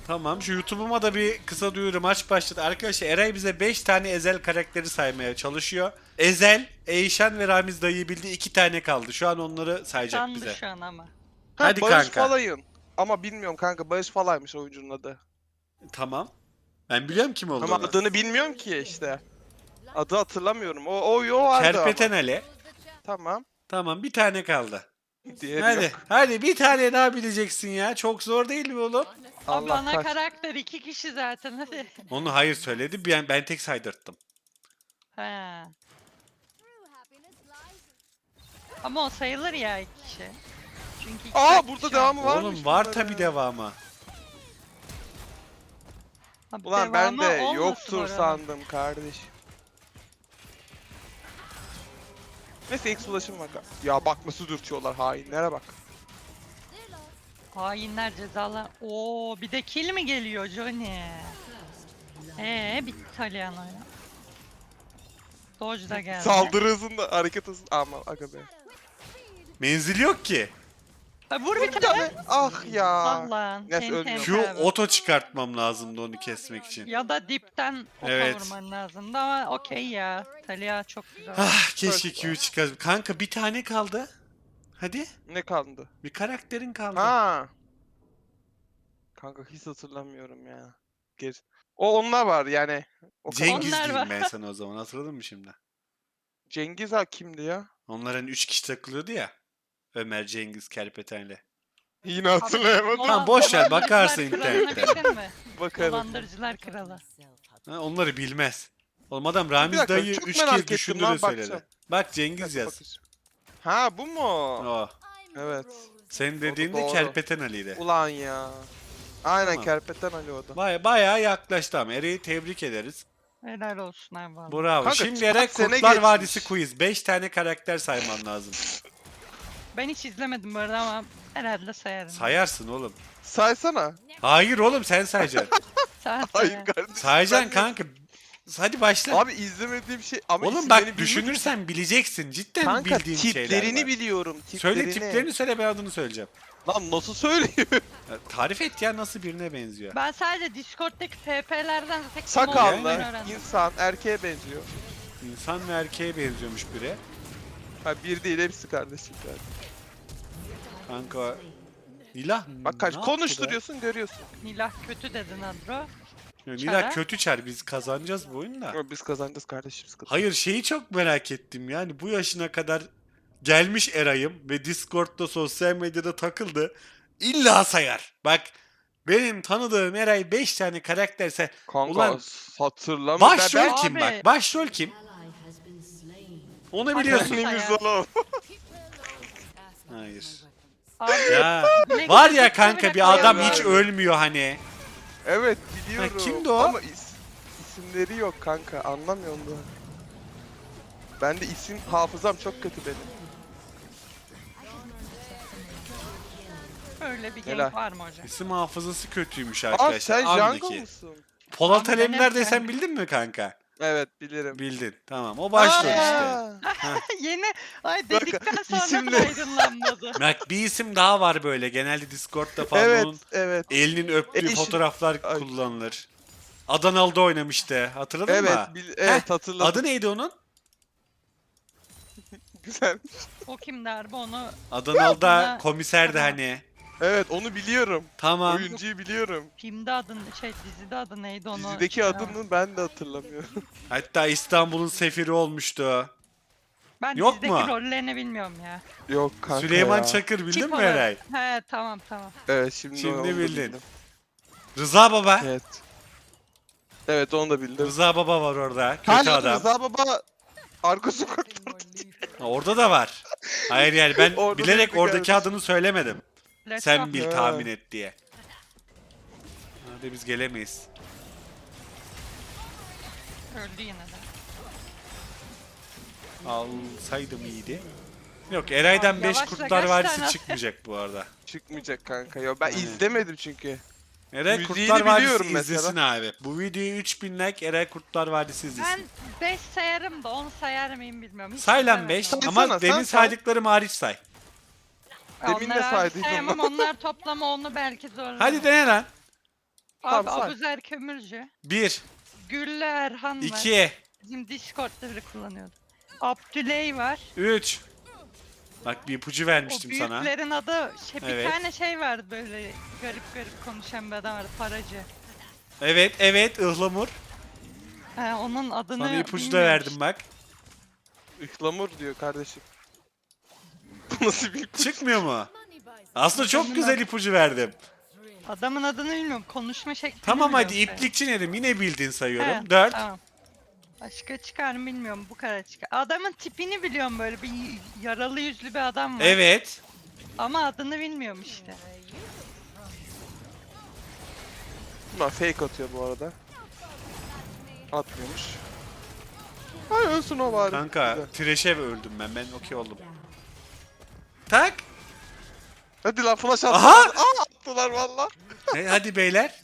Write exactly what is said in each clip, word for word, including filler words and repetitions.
Tamam, şu YouTube'uma da bir kısa duyuru, maç başladı. Arkadaşlar Eray bize beş tane Ezel karakteri saymaya çalışıyor. Ezel, Eyşan ve Ramiz dayıyı bildi, iki tane kaldı. Şu an onları sayacak Sandı bize. şu an ama. Ha, Hadi Barış kanka. Falay'ın. Ama bilmiyorum kanka, Barış Falay'mış oyuncunun adı. Tamam. Ben biliyorum kim Ama olduğunu. adını bilmiyorum ki işte. Adı hatırlamıyorum. O o yo vardı Kerpeten ama. Ali. Tamam. Tamam, bir tane kaldı. Diğeri Hadi, yok. hadi bir tane daha bileceksin ya. Çok zor değil mi oğlum? Abi Allah ana kaç. karakter iki kişi zaten hadi. Onu hayır söyledi. Ben, ben tek saydırttım. He. Ama o sayılır ya iki kişi. Çünkü iki Aa kişi burada var. devamı varmış. Oğlum var bunların. tabi devamı. Abi Ulan ben devamı de olmasın yoktur oranın. sandım kardeş. Neyse X ulaşım var. Ya bak nasıl dürtüyorlar hainlere bak. Hainler cezalar. Oo bir de kill mi geliyor Johnny? Eee bitti Talyan oyunu. Dodge da geldi. Saldırı hızında hareket hızında. Ama aga be. Menzil yok ki. Ha, vur bir Bir tane. tane. Ah ya. Allah'ın. Neyse, Ten ölmüyor. ten Q abi. oto çıkartmam lazımdı onu kesmek için. Ya da dipten oka Evet. vurman lazımdı ama okey ya. Talia çok güzel. Ah keşke Q çıkar. Kanka bir tane kaldı. Hadi. Ne kaldı? Bir karakterin kaldı. Ha. Kanka hiç hatırlamıyorum ya. Geri. O onlar var yani. O kadar. Cengiz Onlar diyeyim var. ben sana o zaman. Hatırladın mı şimdi? Cengiz ha kimdi ya? Onların üç kişi takılıyordu ya. Ömer, Cengiz, Kerpeten'le. Yine hatırlayamadım. Dolan- Tamam, boş ver, bakarsın Dolandırıcılar kralını internette. bildin mi? Bakarım. Dolandırıcılar kralı. Ha, onları bilmez. Oğlum adam Bir Ramiz dakika, dayı çok üç merak kez ettim düşündü lan, de söyledi. bakacağım. Bak Bir Cengiz dakika, yaz. bakacağım. Ha bu mu? O. Evet. Senin dediğin de doğru. Kerpeten Ali'ydi. Ulan ya. Aynen Tamam. Kerpeten Ali o da. Baya, bayağı yaklaştı ama Eray'ı tebrik ederiz. Helal olsun abi vallahi. Bravo. Kanka, Şimdi kaç Eray sene Kurtlar geçmiş. Vadisi quiz. beş tane karakter sayman lazım. Ben hiç izlemedim bu arada ama herhalde sayarım. Sayarsın oğlum. Saysana. Hayır oğlum sen sayacaksın. Say, Hayır say. kardeşim. Sayacaksın ben de- kanka. Hadi başla. Abi izlemediğim şey ama oğlum isimlerini bak bilmiyorum. düşünürsen bileceksin. Cidden Kanka bildiğin şeyler tiplerini var. biliyorum. Tiplerini. Söyle tiplerini söyle, ben adını söyleyeceğim. Lan nasıl söyleyeyim? Ya, tarif et ya, nasıl birine benziyor. Ben sadece Discord'daki F P'lerden tek Sakallı, Yani. insan, erkeğe benziyor. İnsan ve erkeğe benziyormuş biri. Ha bir değil hepsi kardeşim yani. Kanka. Nilah Bak kaç ne yaptı konuşturuyorsun görüyorsun. Nilah kötü dedin Adro. be? Ya, Nilah Çare. kötü çar, biz kazanacağız bu oyunu da. Ama biz kazanacağız kardeşim sıkıntı. Hayır, şeyi çok merak ettim, yani bu yaşına kadar gelmiş Eray'ım ve Discord'da, sosyal medyada takıldı. İlla sayar. Bak benim tanıdığım Eray beş tane karakterse Kanka ulan hatırlamıyorum. başrol ben- kim Abi. bak? Başrol kim? Onu biliyorsun. Ben- Hangimiz oğlum? Hayır. Abi Ya Black var ya Widow kanka, bile bir adam koyamıyorum. hiç ölmüyor hani. Evet biliyorum. Ha, kimdi o? Ama is- isimleri yok kanka anlamıyorum da. Ben de isim hafızam çok kötü benim. Öyle bir Helal. gank var mı hocam? İsim hafızası kötüymüş Aa arkadaşlar. sen Andaki. Jungle mısın? Polat Abi, Alemdar benim desem kanka. bildin mi kanka? Evet bilirim. Bildin. Tamam. O başrol işte. Aa! Yeni ay dedikten sonra isimle- da aydınlanmadı. Bak bir isim daha var böyle. Genelde Discord'da falan Evet onun evet. elinin öptüğü Eşi- fotoğraflar Ay. kullanılır. Adanalı'da oynamıştı. Hatırladın Evet, mı? bil- evet hatırladım. Adı neydi onun? Güzel. O kim derbi onu Adanalı'da Adana- komiserdi Adana. hani. Evet onu biliyorum. Tamam. Oyuncuyu biliyorum. filmde adın şey dizide adı neydi onu. Dizideki şey adını ben de hatırlamıyorum. Hatta İstanbul'un sefiri olmuştu. Ben Yok dizideki mu? rollerini bilmiyorum ya. Yok kanka Süleyman ya. Çakır bildin Tip mi olarak- Eray? He tamam tamam. Evet şimdi, Şimdi onu da bildin. bildim. Rıza Baba. Evet. Evet onu da bildim. Rıza Baba var orada. Kötü Hani adam. Rıza Baba arka sokakta. Ha, orada da var. Hayır yani ben Orada bilerek değildi oradaki kardeşim. adını söylemedim. Let's Sen go. bil, Ha. tahmin et diye. Hadi biz gelemeyiz. Öldü yine de. Alsaydım iyiydi. Yok, Eray'dan Abi beş yavaşla, Kurtlar kaç Vadisi tane- çıkmayacak bu arada. Çıkmayacak kanka ya. Ben Aynen. izlemedim çünkü. Eray Müziğini Kurtlar Vadisi biliyorum mesela. izlesin abi. Bu videoyu üç bin like, Eray Kurtlar Vadisi Ben izlesin. beş sayarım da on sayar mıyım bilmiyorum. Hiç Say lan izlemedim beş onu. Saysana, ama sen demin say. saydıklarım hariç say. Demin de Onları abi saydıydım sayamam, onlar toplama onu belki zorlar. Hadi dene lan. Abi Tamam, say. Abuzer Kömürcü. bir, Güllü Erhan var. iki, Bizim Discord'da biri kullanıyordu. Abdüley var. üç. Bak bir ipucu O vermiştim sana. büyüklerin adı şey, Evet. bir tane şey vardı böyle garip garip konuşan bir adam vardı, paracı. Evet, evet, ıhlamur. He, onun adını Sana ipucu da bilmiyorum verdim işte. bak. Ihlamur diyor kardeşim. Bu nasıl bir kuş? Çıkmıyor mu? Aslında çok Adamın güzel adı- ipucu verdim. Adamın adını bilmiyorum. Konuşma şeklini Tamam hadi biliyorum sadece. iplikçi dedim. Yine bildin sayıyorum. He, dört. Tamam. Başka çıkar mı bilmiyorum. Bu kadar çıkar. Adamın tipini biliyorum, böyle bir yaralı yüzlü bir adam var. Evet. Ama adını bilmiyorum işte. Bunlar fake atıyor bu arada. Atmıyormuş. Hay ölsün o bari. Kanka Güzel. Thresh'e öldüm ben. Ben okey oldum. Tak. Hadi lan flash attılar. Aha! Aa attılar valla. E, hadi beyler.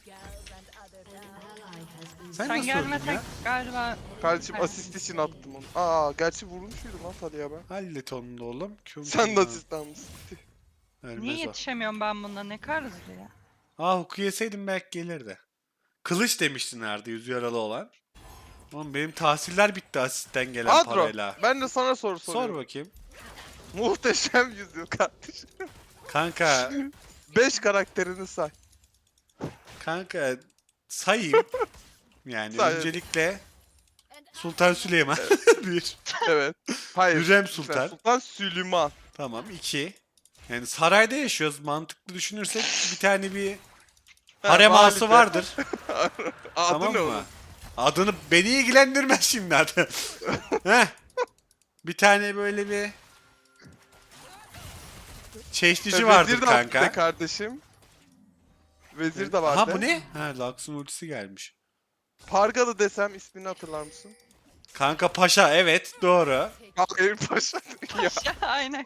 Sen, Sen nasıl öldün gelmesen ya? galiba Kardeşim Evet. asist için attım onu. Aa gerçi vurmuş muydum lan Taliha'ya ben. Hallet onu da oğlum. Küm Sen küm de lan. asist almışsın. Ölmez niye o. yetişemiyorum ben bunda, ne kadar hızlı ya. Aa huku yeseydim belki gelirdi. Kılıç demiştin nerede yüz yaralı olan. Oğlum benim tahsiller bitti asistten gelen Adro parayla. ben de sana soru Sor soruyorum. bakayım. Muhteşem yüzyıl kardeşim. Kanka, beş karakterini say. kanka sayayım. Yani Say. öncelikle Sultan Süleyman bir. Evet. Hayır. Hürrem lütfen. Sultan. Sultan Süleyman. Tamam iki. Yani sarayda yaşıyoruz. Mantıklı düşünürsek bir tane bir Ha, harem ağası valide. vardır. Adı tamam ne mı? onun? Adını beni ilgilendirmez şimdi adı. Heh. Bir tane böyle bir çeşnici Ha, vardır Vezir de vardı kanka. kardeşim. Vezir de vardı. Aha bu ne? Ha Lux'un ultisi gelmiş. Pargalı desem ismini hatırlar mısın? Kanka Paşa evet doğru. Hayır paşa. ya. Aynen.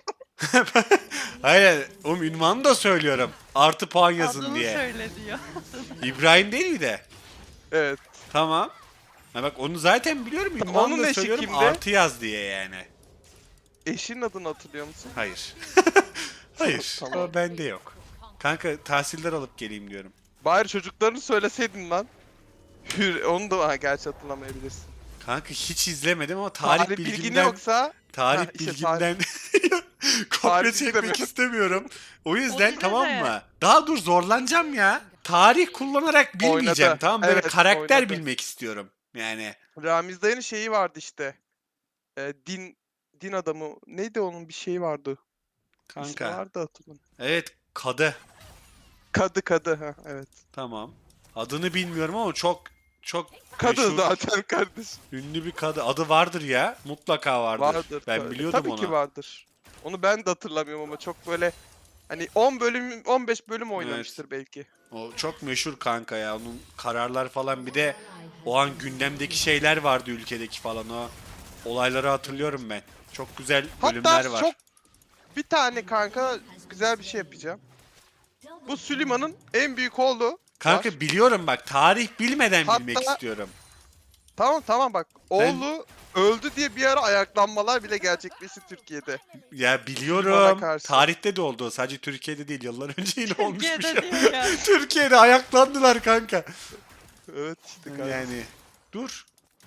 Hayır oğlum ünvanı da söylüyorum. Artı puan yazın Adını diye. söyle diyor. İbrahim değil mi de? Evet. Tamam. Ha bak onu zaten biliyorum. Tamam, Ünvanı onun da eşi söylüyorum kimde? artı yaz diye yani. Eşinin adını hatırlıyor musun? Hayır. Hayır. Tamam. O bende yok. Kanka tahsiller alıp geleyim diyorum. Bari çocuklarını söyleseydin lan. Hür, onu da ha, gerçi hatırlamayabilirsin. Kanka hiç izlemedim ama tarih, Tarih bilgin bilgimden yoksa tarih Ha, işte bilgimden kopya Tarih çekmek istemiyorum. istemiyorum. O yüzden Olsun tamam be. mı? Daha dur zorlanacağım ya. Tarih kullanarak bilmeyeceğim Oynadı. tamam böyle Evet, karakter oynadı. bilmek istiyorum. Yani Ramiz dayının şeyi vardı işte. Ee, din din adamı neydi onun bir şeyi vardı. İsmi kanka. vardı hatırlamıyorum. Evet kadı. Kadı kadı ha evet. Tamam. Adını bilmiyorum ama çok çok Kadı meşhur, zaten kardeş. ünlü bir kadı. Adı vardır ya. Mutlaka vardır. Vardır. Ben tabii. biliyordum Tabii onu. ki vardır. Onu ben de hatırlamıyorum ama çok böyle hani on bölüm on beş bölüm oynamıştır belki. O çok meşhur kanka ya. Onun kararlar falan bir de o an gündemdeki şeyler vardı ülkedeki falan o olayları hatırlıyorum ben. Çok güzel bölümler Hatta var. çok bir tane kanka güzel bir şey yapacağım. Bu Süleyman'ın en büyük oğlu Kanka var. biliyorum bak tarih bilmeden Hatta- bilmek istiyorum. Tamam tamam bak. Ben- Oğlu öldü diye bir ara ayaklanmalar bile gerçekleşti Türkiye'de. Ya Bana biliyorum. karşı. Tarihte de oldu. o. Sadece Türkiye'de değil. Yıllar önce yine olmuş bir Türkiye'de şey. diyor ya. Türkiye'de ayaklandılar kanka. Evet işte kanka. Yani dur.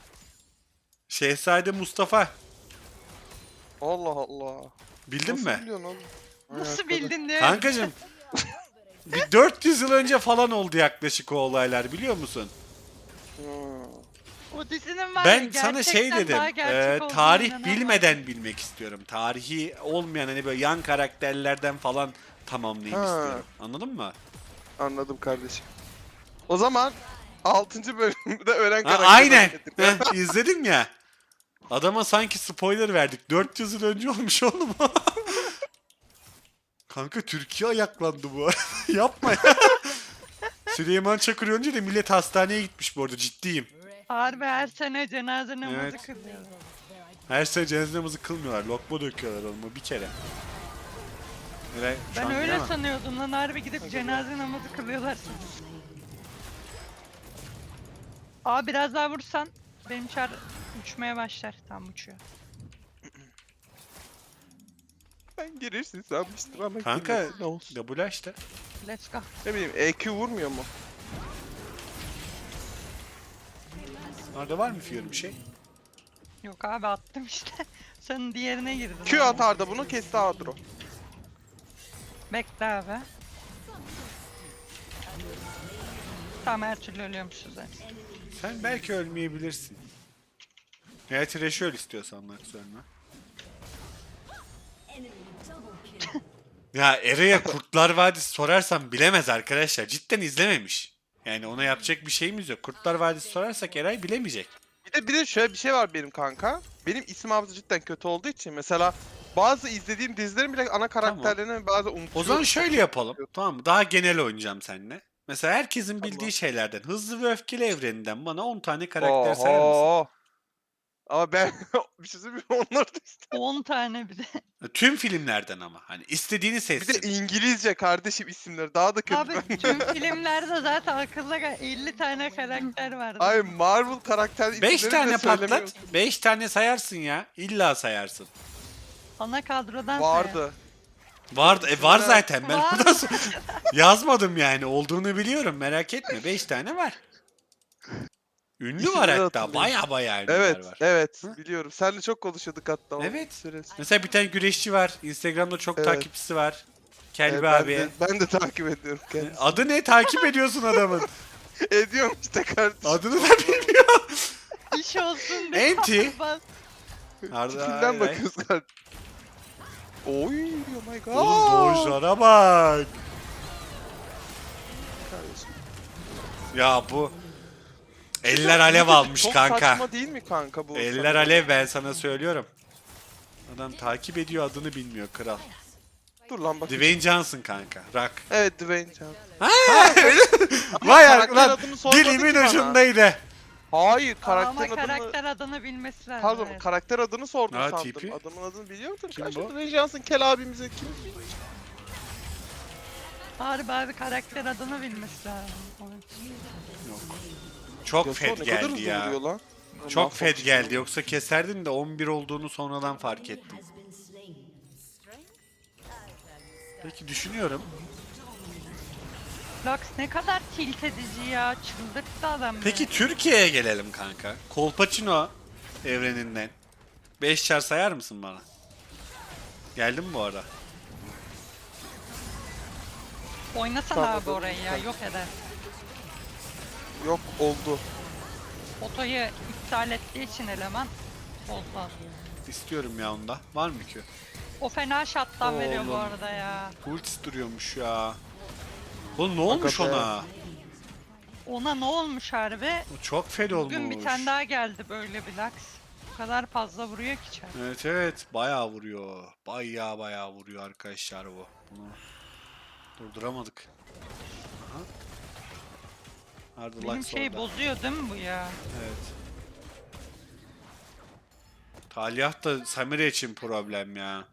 Şehzade Mustafa. Allah Allah. Bildin Nasıl mi? biliyorsun oğlum? Nasıl Ayakta da- bildin diye. Kankacım. Bir dört yüz yıl önce falan oldu yaklaşık o olaylar biliyor musun? Hmm. O dizinin var ya, Ben sana şey gerçekten dedim. daha gerçek e, olduğuna tarih inanamam. bilmeden bilmek istiyorum. Tarihi olmayan hani böyle yan karakterlerden falan tamamlayayım Ha. istiyorum. Anladın mı? Anladım kardeşim. O zaman altıncı bölümde ölen Ha, karakter. aynen. Heh, izledim ya. Adama sanki spoiler verdik. dört yüz yıl önce olmuş oğlum. Kanka Türkiye ayaklandı bu arada. Yapma ya. Süleyman Çakır önce de millet hastaneye gitmiş bu arada ciddiyim. Harbi her sene cenaze namazı Evet. kılıyor. Her sene cenaze namazı kılmıyorlar. Lokma döküyorlar oğlum bir kere. Öyle, şu Ben an öyle bilemem. sanıyordum lan, harbi gidip cenaze namazı kılıyorlar. Aa biraz daha vursan benim çar uçmaya başlar. Tam uçuyor. Ben girirsin sanmıştım ama Kanka girmesin, ne olsun. double işte. Let's go. Ne bileyim E Q vurmuyor mu? Orada var mı Fiora bir şey? Yok abi attım işte. Sen diğerine girdin. Q abi. atar da bunu kesti Adro. Bekle abi. Tamam her türlü ölüyormuşuz zaten. Sen belki ölmeyebilirsin. Veya Thresh'i öl istiyorsan bak sonra. Ya Eray'a Kurtlar Vadisi sorarsam bilemez arkadaşlar. Cidden izlememiş. Yani ona yapacak bir şeyimiz yok. Kurtlar Vadisi sorarsak Eray bilemeyecek. Bir de bir de şöyle bir şey var benim kanka. Benim isim hafızası cidden kötü olduğu için mesela bazı izlediğim dizilerin bile ana karakterlerini bazen unutuyorum. O zaman şöyle yapalım. Tamam mı? Daha genel oynayacağım seninle. Mesela herkesin bildiği Tamam. şeylerden, Hızlı ve Öfkeli evreninden bana on tane karakter sayar mısın? Oho. Ama ben bir şey söyleyeyim mi? Onlar da işte. on tane bir de. Tüm filmlerden ama. Hani istediğini Bir seçsin. de İngilizce kardeşim isimleri daha da kötü. Abi tüm filmlerde zaten akılda kal- elli tane karakter vardı. Ay Marvel karakter isimleri beş bile tane söylemiyorum. patlat. beş tane sayarsın ya. İlla sayarsın. Ana kadrodan Vardı. Vardı. E var zaten. Ben Var. ondan sonra yazmadım yani. Olduğunu biliyorum. Merak etme. beş tane var. Ünlü var İsimleri hatta. hatırlıyorum. Baya baya ünlüler Evet, var. evet Hı? biliyorum. Seninle çok konuşuyorduk hatta o Evet. süresi. Mesela bir tane güreşçi var. Instagram'da çok Evet. takipçisi var. Kelbi Evet, ben, abi. de, ben de takip ediyorum kendisini. Adı ne? Takip ediyorsun adamın. Ediyorum işte kardeşim. Adını da bilmiyorum. İş olsun diye. Enti. Bas. Arda Tipinden Ayray. bakıyoruz kardeşim. Oy oh my god. Oğlum doğuşlara bak. Kardeşim. Ya bu eller alev almış Çok kanka. saçma değil mi kanka bu? Eller sana? alev ben sana söylüyorum. Adam takip ediyor adını bilmiyor kral. Dur lan bak. Dwayne Johnson kanka. Rock. Evet Dwayne Johnson. Vay karakter lan adını sormadı dilimin ki bana. ucundaydı. Hayır Ama karakter adını... karakter adını bilmesi lazım. Pardon evet. karakter adını sordum Ha, sandım. tipi? Adamın adını biliyordur. Kim Karşı bu? Dwayne Johnson kel abimize kim biliyor? Harbi abi karakter adını bilmesi lazım. Yok. Çok Yasuo fed ne kadar geldi hızlı ya. vuruyor lan. Çok fed Mahvolmuş. geldi yoksa keserdin de on bir olduğunu sonradan fark ettim. Peki düşünüyorum. Lux ne kadar tilt edici ya. Çıldırttı adam Peki beni. Türkiye'ye gelelim kanka. Kolpaçino evreninden. beş çar sayar mısın bana? Geldin mi bu ara? Oynasana Tamam, abi orayı ya. tamam. Yok eder. Yok oldu. Otoyu iptal ettiği için eleman. Oldu. İstiyorum ya onda. Var mı ki? O fena shot'tan veriyor bu Oğlum. arada ya. Ultis duruyormuş ya. Oğlum ne olmuş Hakikaten. ona? Ona ne olmuş harbi? O çok fed olmuş. Bugün bir tane daha geldi böyle bir Lux. Bu kadar fazla vuruyor ki çar. Evet evet bayağı vuruyor. Bayağı bayağı vuruyor arkadaşlar bu. Bunu durduramadık. Aha. Nerede Benim Lux şey orada? bozuyor değil mi bu ya? Evet. Talyah da Samira için problem ya.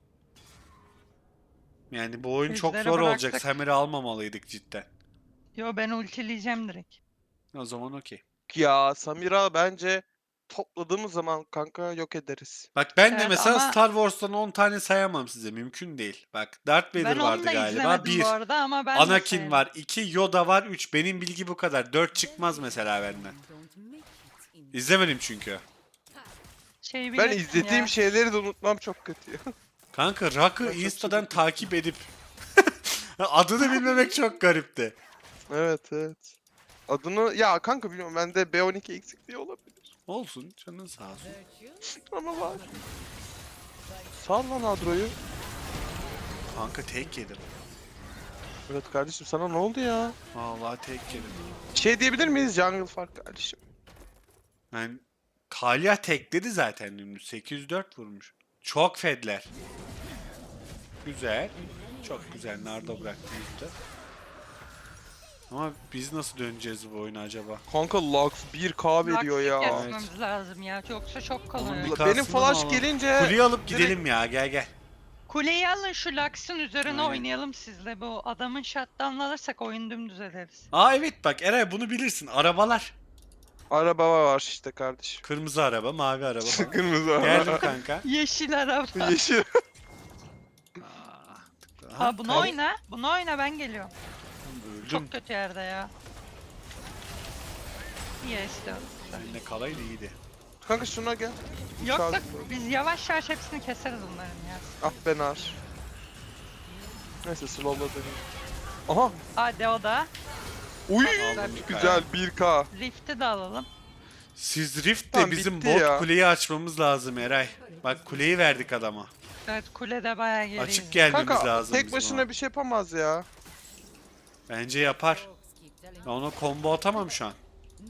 Yani bu oyun çok Bizlere zor olacak. bıraktık. Samira almamalıydık cidden. Yo ben ultileyeceğim direkt. O zaman okey. Ya Samira bence topladığımız zaman kanka yok ederiz. Bak ben de Evet, mesela ama- Star Wars'tan on tane sayamam size. Mümkün değil. Bak Darth Vader Ben onu vardı da galiba. izlemedim bir. bu arada ama ben de Anakin sevdim. var. iki. Yoda var. üç. Benim bilgi bu kadar. dört çıkmaz mesela benden. İzlemedim çünkü. Şey Ben bilirsin izlediğim ya. şeyleri de unutmam çok kötü ya. Kanka Rock'ı Insta'dan takip edip adını bilmemek çok garipti. Evet evet. Adını ya kanka bilmiyorum bende B on iki eksikliği olabilir. Olsun. Canın sağ olsun. Ama var. Sal lan Adro'yu. Kanka tek yedim. Evet kardeşim sana ne oldu ya? Vallahi tek yedim. Şey diyebilir miyiz Jungle Fark kardeşim? Yani Talyah tekledi zaten dümdüz. sekiz yüz dört vurmuş. Çok fedler. Güzel. Çok güzel. Nerede bıraktığımızda. Ama biz nasıl döneceğiz bu oyuna acaba? Kanka Lux bir K veriyor Lux ya. kesmemiz lazım ya. Yoksa çok Onun kalıyor. bir Benim kasını flash alalım. gelince Kuleyi alıp direkt- gidelim ya. Gel gel. Kuleyi alın şu Lux'ın üzerine Aynen. oynayalım sizle. Bu adamın shutdown'ını alırsak oyun dümdüz ederiz. Aa evet bak Eray bunu bilirsin. Arabalar. araba var işte kardeşim. Kırmızı araba, mavi araba falan. Kırmızı Geldim kanka. Yeşil araba. Yeşil. Aa, tıkla. Ha bunu tamam. oyna. Bunu oyna ben geliyorum. Öldüm. Çok kötü yerde ya. İyi işte. Eline kalaydı iyiydi. Kanka şuna gel. Yok Sağ- yok biz yavaş yavaş hepsini keseriz bunların ya. Ah be nar. Neyse slowla döneyim. Aha. Hadi o da. Uy. Aldım bir Güzel kaya. bir K. Rift'i de alalım. Siz Rift de Tamam, bizim bitti bot ya. kuleyi açmamız lazım Eray. Bak kuleyi verdik adama. Evet kulede bayağı geriyiz. Açık gelmemiz Kanka lazım tek bizim başına ona. bir şey yapamaz ya. Bence yapar. Ben ona combo atamam şu an.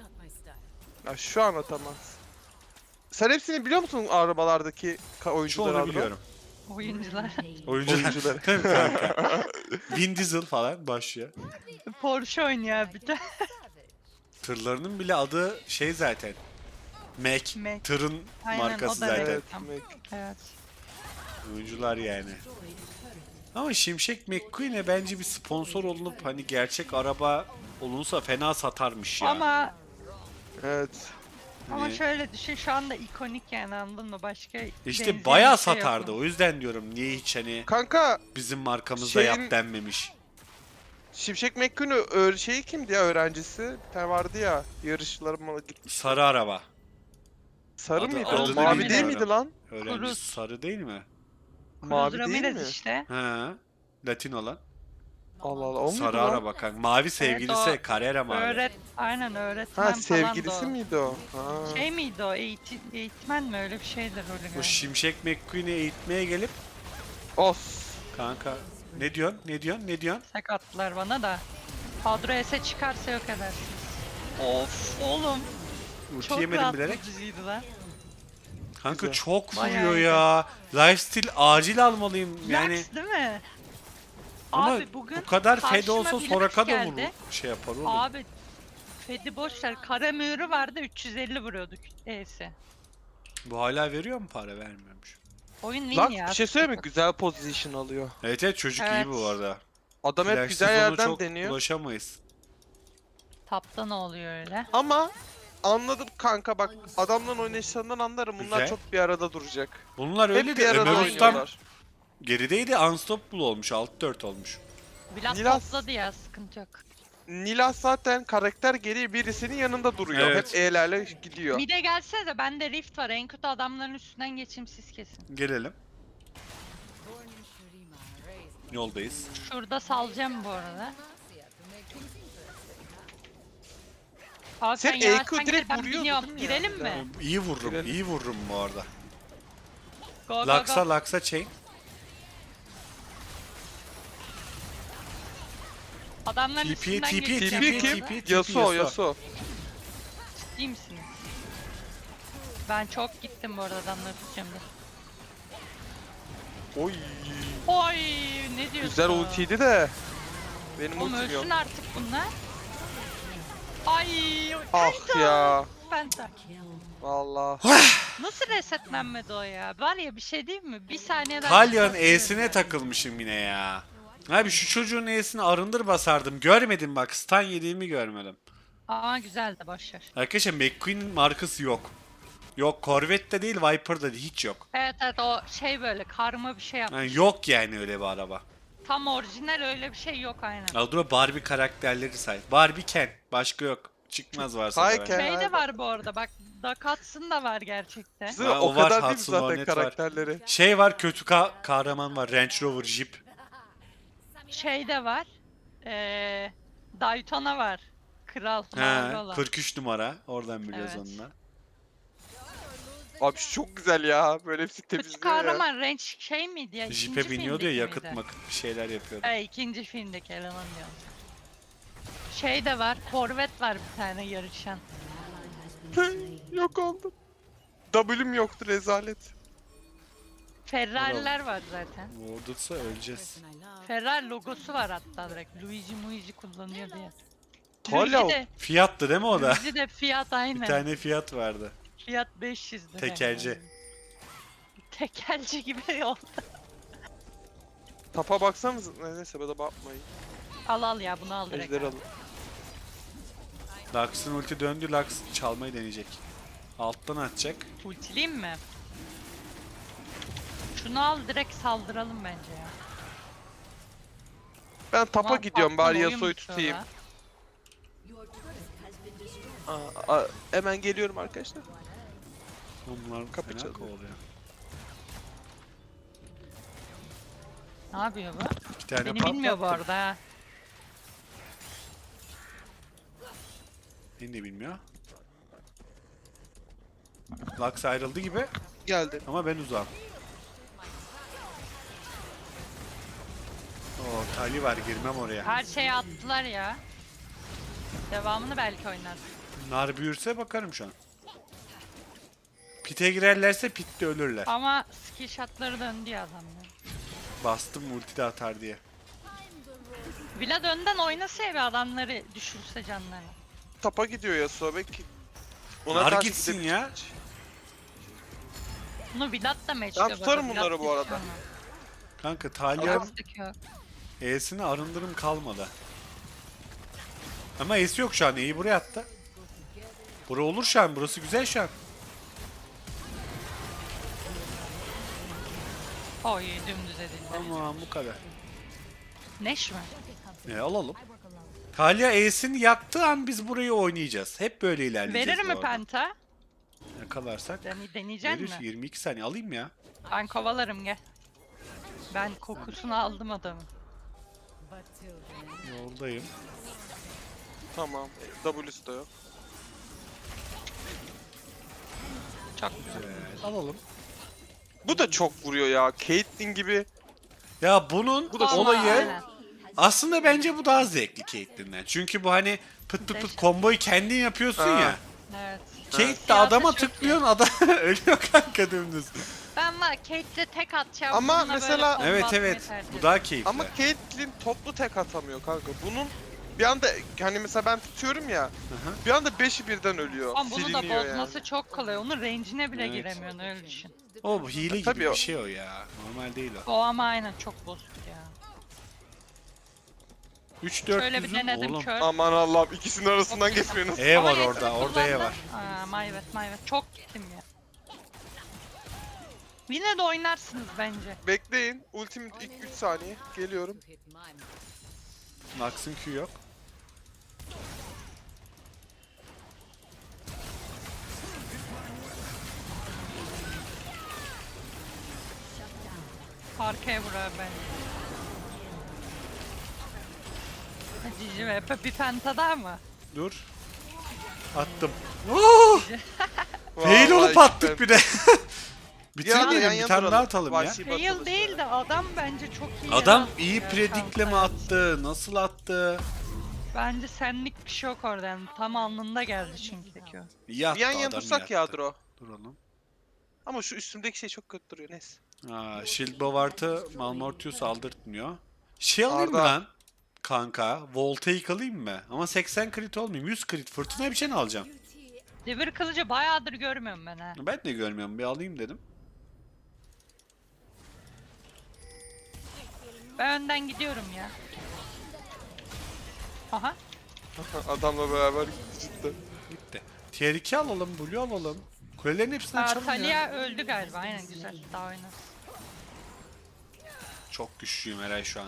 Ya şu an atamaz. Sen hepsini biliyor musun arabalardaki ka- oyuncuları? Çoğunu adına? biliyorum. Oyuncular. Oyuncular. Oyuncuları. Tabii kanka. Vin Diesel falan başlıyor. Porsche oynuyor bir de. Tırlarının bile adı şey zaten. Mac. Mac. Tırın Aynen, markası o da zaten. Evet. Tamam. Mac. Evet. Oyuncular yani. Ama Şimşek McQueen'e bence bir sponsor olunup hani gerçek araba olunsa fena satarmış ya. Ama Evet. ama Hani şöyle düşün şu anda ikonik yani anladın mı? Başka işte benzeri bayağı bir şey yok satardı. mu? O yüzden diyorum niye hiç hani Kanka bizim markamızda Şeyin- yap denmemiş. Şimşek McQueen'in ö- şeyi kimdi ya öğrencisi? Bir tane vardı ya yarışlarıma gitmiş. Sarı araba. Sarı Adı- mıydı adını o? Mavi bilmiyorum. değil miydi lan? Öğrenci Cruz. sarı değil mi? Mavi Cruz değil Ramirez mi? işte. He. Latin olan. Allah Allah o muydu Sarı lan? araba kanka. Mavi sevgilisi o Carrera mavi. Öğret, aynen öğretmen Ha falan sevgilisi da o. miydi o? Ha. Şey miydi o? Eğitim, eğitmen mi? Öyle bir şeydir rolü Bu galiba. Şimşek McQueen'i eğitmeye gelip Os. kanka ne diyorsun? Ne diyorsun? Ne diyorsun? Tek attılar bana da. Kadro S'e çıkarsa yok edersiniz. Of oğlum. Ulti Çok yemedim bilerek. rahatlatıcıydı lan. Kanka Güzel. çok Bayağı vuruyor iyi. ya. Lifesteal acil almalıyım yani. Lux değil mi? Ama Abi bugün bu kadar fed karşıma olsa bir Soraka Lux da vurur. geldi. Şey yapar oğlum. Abi Fed'i boşver. Kara mühürü vardı üç yüz elli vuruyorduk E'si. Bu hala veriyor mu para? Vermiyormuş. Oyun win Lan ya. bir şey söyleyeyim mi? Güzel position alıyor. Evet evet çocuk Evet. iyi bu arada. Adam hep Flash güzel sezonu yerden çok deniyor. ulaşamayız. Tapta ne oluyor öyle? Ama anladım kanka bak adamların oynayışlarından anlarım bunlar Güzel. çok bir arada duracak. Bunlar Hep öyle bir de arada Ömer Ustam oynuyorlar. gerideydi. Unstoppable olmuş. altı dört olmuş. Biraz Nilas- topladı ya sıkıntı yok. Nilas zaten karakter geri birisinin yanında duruyor. Evet. Hep E'lerle gidiyor. Bir de gelse de bende rift var. En kötü adamların üstünden geçeyim siz kesin. Gelelim. Yoldayız. Şurada salacağım bu arada. Abi Sen sen E Q yavaştan gel, direkt ben vuruyordu biniyorum. değil mi ya? Girelim mi? Yani. İyi vururum. Girelim. iyi vururum bu arada. Go go Laksa go. laksa chain. Adamların T P, üstünden T P, geçeceğim. T T P P, bu kim? arada. T P. Yasuo Yasuo. Yasuo. Ciddi misiniz? Ben çok gittim bu arada adamları tutacağım da. Oy. Oy ne diyorsun? Güzel ultiydi de. Benim Oğlum ultim yok. ölsün artık bunlar. Ay. Ah ya. Penta. Valla. Nasıl resetlenmedi o ya? Var ya bir şey değil mi? Bir saniyeden... Talyon E'sine takılmışım yine ya. Abi şu çocuğun E'sini arındır basardım. Görmedim bak. Stun yediğimi görmedim. Aa güzel de boşver. Arkadaşlar McQueen'in markası yok. Yok Corvette'de değil Viper'da değil. Hiç yok. Evet evet o şey böyle karma bir şey yapmış. Yani yok yani öyle bir araba. Tam orijinal öyle bir şey yok aynen. Aldura Barbie karakterleri say. Barbie Ken. Başka yok. Çıkmaz varsa Hay da. Ken. ben. Şey de var bu arada bak Dakats'ın da var gerçekten. Bizim Ha, o, o var, kadar değil mi Hudson zaten Hornet var. karakterleri? Şey var kötü ka- kahraman var. Range Rover Jeep. Şey de var. Ee, Daytona var. Kral mavi He, olan. kırk üç numara. Oradan biliyoruz Evet. onunla. Abi şu çok güzel ya. Böyle hepsi Kötü temizliyor ya. kahraman range şey miydi ya? Jeep'e İkinci biniyordu ya filmdeki yakıt miydi? makıt bir şeyler yapıyordu. He ikinci filmdeki eleman diyorum. Şey de var. Corvette var bir tane yarışan. Yok oldu. W'm yoktu rezalet. Ferrari'ler var zaten. Vurdursa öleceğiz. Ferrari logosu var hatta direkt. Luigi Muigi kullanıyor diye. Hala Luigi de, Fiat'tı değil mi o da? Luigi de Fiat aynen. Bir tane Fiat vardı. Fiat beş yüzdü. Tekerci. Tekelci gibi oldu. tapa baksanız neyse bana bakmayın. Al al ya bunu al direkt. Ejder al. alın. Lux'ın ulti döndü. Lux çalmayı deneyecek. Alttan atacak. Ultileyim mi? Şunu al direkt saldıralım bence ya. Ben tapa Ulan gidiyorum patron bari oyun Yasuo'yu bitiyor tutayım. la. Aa, aa, hemen geliyorum arkadaşlar. Onlar Kapı fena çalıyor. kovalıyor. Ne yapıyor bu? İki tane Beni patlattım. bilmiyor bu arada ha. Beni de bilmiyor. Lux ayrıldı gibi Geldi. ama ben uzağım. Oo, Tali var, girmem oraya. Her şeyi attılar ya. Devamını belki oynar. Nar büyürse bakarım şu an. Pite girerlerse pitte ölürler. Ama skill shotları döndü ya adamlar. Bastım ulti de atar diye. Vlad önden oynasa ya bir adamları düşürse canlarını. Tapa gidiyor Yasuo belki. Nar karşı gitsin gidebilir. ya. Bunu Vlad da match Ben tutarım bunları bu arada. Kanka Talya'nın Yok. E'sini arındırım kalmadı. Ama E'si yok şu an. E'yi buraya attı. Bura olur şu an. Burası güzel şu an. Oy dümdüz edildi. Tamam bu kadar. Neş mi? E, alalım. Talya E'sini yaktığı an biz burayı oynayacağız. Hep böyle ilerleyeceğiz. Verir bu mi arada. penta? Yakalarsak. Dene deneyecek Verir. mi? yirmi iki saniye alayım ya. Ben kovalarım gel. Ben kokusunu aldım adamın. Yoldayım. Tamam. W'su da yok. Çok güzel. Evet, alalım. Bu da çok vuruyor ya. Caitlyn gibi. Ya bunun Bu da Ama olayı aynen. aslında bence bu daha zevkli Caitlyn'den. Çünkü bu hani pıt pıt pıt komboyu kendin yapıyorsun Ha. ya. Evet. Kate de Siyasi adama çok tıklıyorsun adam ölüyor kanka dümdüz. Ben var Kate'le tek atacağım. Ama bununla böyle mesela- combo Evet atmayı evet tercih bu ederim. daha keyifli. Ama Caitlyn toplu tek atamıyor kanka. Bunun bir anda hani mesela ben tutuyorum ya. Hı hı. Bir anda beşi birden ölüyor. Ama bunu da Siliniyor bozması yani. çok kolay. Onun range'ine bile Evet. giremiyorsun öyle düşün. O bu hile gibi Tabii o- bir şey o ya. Normal değil o. O ama aynen çok bozuk ya. üç dört Şöyle bir yüzün denedim oğlum. kör. Aman Allah'ım ikisinin arasından geçmiyorsunuz. E Ama var yetimi orada. Orada E kullandım. var. Aa, mayvet mayvet. Çok gittim ya. Yine de oynarsınız bence. Bekleyin. Ultim ilk üç saniye. Geliyorum. Lux'ın Q yok. Arkaya vurar bence. Cici ve Pepe bir penta daha mı? Dur. Attım. Oo! Fail Vallahi olup attık ben- bir de. Bir ara Bitirmeyelim yan bir yana tane duralım. daha atalım ya. Vahşi Fail batılısı. değil de adam bence çok iyi. Adam yarattı iyi ya, predikle mi şansa. attı? Nasıl attı? Bence senlik bir şey yok orada yani. Tam alnında geldi çünkü Q. İyi attı Bir yan yana adam, iyi dursak ya attı. Adro. Duralım. Ama şu üstümdeki şey çok kötü duruyor. Neyse. Aa, Shield Bovart'ı Malmortius aldırtmıyor. Şey alayım mı Arda. lan? Kanka. Voltaic alayım mı? Ama seksen crit olmayayım. yüz crit. Fırtına bir şey mi alacağım? Devir kılıcı bayağıdır görmüyorum ben ha. Ben de görmüyorum. Bir alayım dedim. Ben önden gidiyorum ya. Aha. Adamla beraber gitti cidden. Bitti. Tier iki alalım. Blue alalım. Kulelerin hepsini Aa, açalım ya. Talia öldü galiba. Aynen güzel. Daha oynarız. Çok güçlüyüm Eray şu an.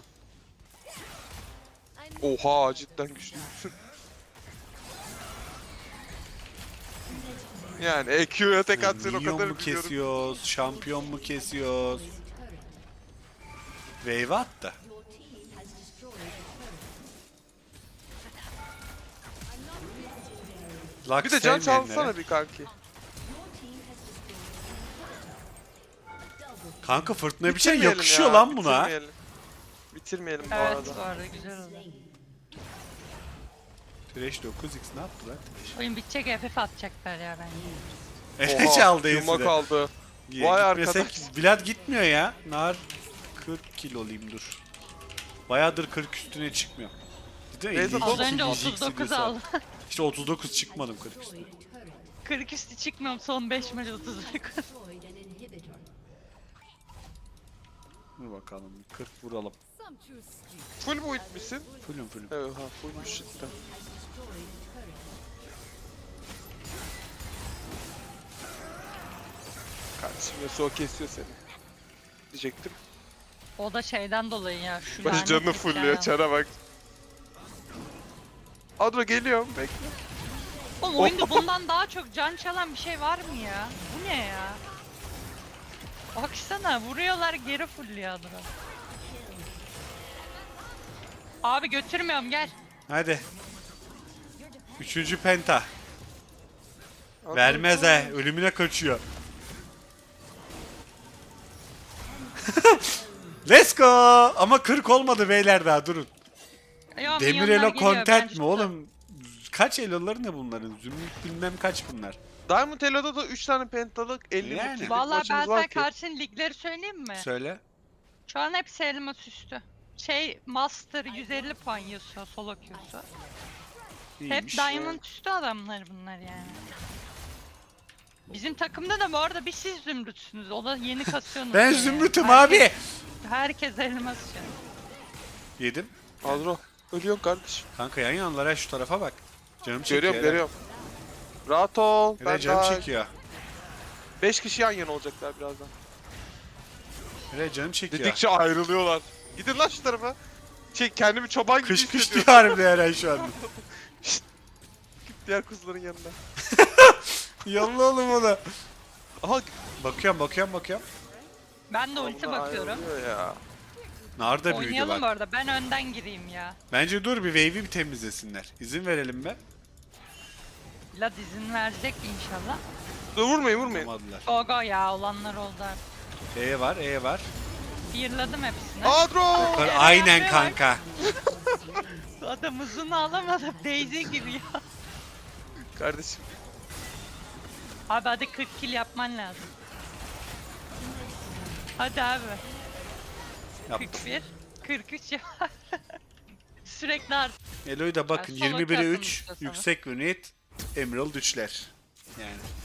Oha cidden güçlü. Yani E Q'ya tek atsan o Minyon kadar mu biliyorum. kesiyoruz? Şampiyon mu kesiyoruz? Wave attı. Lux Bir de can sevmeyenlere. çalsana bir kanki. Kanka fırtına bir şey Bitirmeyelim yakışıyor ya, lan buna. Bitirmeyelim. Bitirmeyelim bu Evet arada. bu arada güzel oldu. Thresh dokuz x ne yaptı lan Thresh? Oyun bitecek F F atacaklar ya bence. Ele çaldı Yuma Ace'i de. kaldı. Ya, Vay gitmesek arkadaş. Vlad gitmiyor ya. Nar kırk kilo olayım dur. Bayağıdır kırk üstüne çıkmıyor. Bir de Neyse, elli iki Az önce ikinci otuz X'i dokuz diyorsa. aldım. İşte otuz dokuz çıkmadım kırk üstüne. kırk üstü çıkmıyorum son beş maç otuz dokuz. Dur bakalım kırk vuralım. Full build misin? Fullüm fullüm. Evet ha fullmuş cidden. Kardeşim Yasuo kesiyor seni. Diyecektim. O da şeyden dolayı ya. Şu Başı lanet canını hikaye. fullüyor çara bak. Adro geliyorum bekle. Oğlum oyunda bundan daha çok can çalan bir şey var mı ya? Bu ne ya? Baksana vuruyorlar geri fulluyor Adro. Abi götürmüyorum gel. Hadi. Üçüncü penta. Vermez he. Ölümüne kaçıyor. Let's go. Ama kırk olmadı beyler daha durun. Ya, Demir milyonlar elo geliyor, ben content mi çıktım. oğlum? Kaç eloları ne bunların? Zümrüt bilmem kaç bunlar. Diamond Elo'da da üç tane pentalık elli Yani. yani. Vallahi ben maçımız sana var ki. karşın ligleri söyleyeyim mi? Söyle. Şu an hepsi elmas üstü. Şey Master yüz elli puan yiyorsa solo queue'su. Hep İyiymiş. Diamond üstü adamlar bunlar yani. Bizim takımda da bu arada bir siz zümrütsünüz. O da yeni kasıyorsunuz. Ben yani. zümrütüm Herkes- abi. Herkes elmas şu an. Yedim. Adro. Ölüyorsun kardeşim. Kanka yan yanlara şu tarafa bak. Canım çekiyor. Görüyorum Eren. görüyorum. Rahat ol. Eren Ben canım daha çekiyor. beş kişi yan yana olacaklar birazdan. Eren canım çekiyor. Dedikçe ayrılıyorlar. Gidin lan şu tarafa. Şey kendimi çoban gibi Kış kış hissediyorum. diyor harbiden Eren şu anda. Diğer kuzuların yanına. Yolla oğlum onu. Aha. Bakıyorum bakıyorum bakıyorum. Ben de ulti bunlar bakıyorum. ayrılıyor ya. Narda büyüdü Oynayalım bu bak. arada. Ben önden gireyim ya. Bence dur bir wave'i bir temizlesinler. İzin verelim be. Vlad izin verecek inşallah. Dur vurmayın vurmayın. Olmadılar. Go go ya olanlar oldu artık. E var E var. Fearladım hepsini. Adro. Eren Aynen abi bak. kanka. Adam uzunu alamadı. Daisy gibi ya. Kardeşim. Abi hadi kırk kill yapman lazım. Hadi abi. Yap. kırk bir, kırk üç yap. Sürekli art. Elo'yu da bakın Ben solo yirmi bire kaptım üç işte sana. yüksek unit Emerald üçler. Yani.